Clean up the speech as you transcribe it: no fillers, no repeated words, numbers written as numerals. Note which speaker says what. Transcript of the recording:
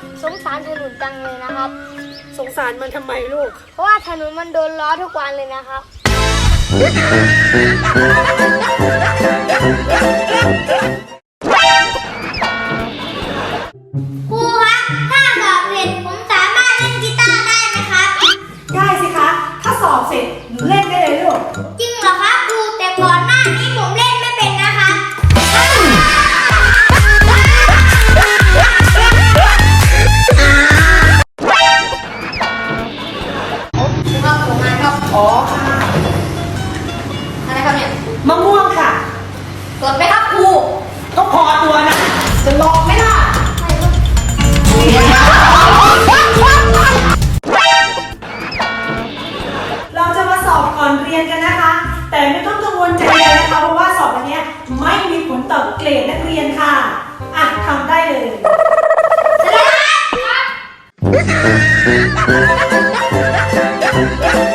Speaker 1: สงสารถนนจังเลยนะครับ
Speaker 2: สงสารมันทำไมลูก
Speaker 1: เพราะว่าถนนมันโดนล้อทุกวันเลยนะครับครูครับถ้าสอบเสร็จผมสามารถเล่นกีตาร์ได้ไหมครับ
Speaker 2: ได้สิคะถ้าสอบเสร็จหนูเล่นได้เลยลูก
Speaker 1: จริงเหรอครับครูแต่ก่อนหน้านี้ผมเล่นไม่เป็นนะคะ
Speaker 2: อ๋อค่ะ
Speaker 1: อะไรครับเนี่ย
Speaker 2: มะม่วงค่ะ
Speaker 1: สดไหมครับครู
Speaker 2: ก็พอตัวนะจะลองไหมล่ะเราจะมาสอบก่อนเรียนกันนะคะ แต่ไม่ต้องกังวลใจเลยนะคะเพราะว่าสอบอันนี้ไม่มีผลต่อเกรดนักเรียนค่ะอ่ะทำได้เลย
Speaker 1: ครับ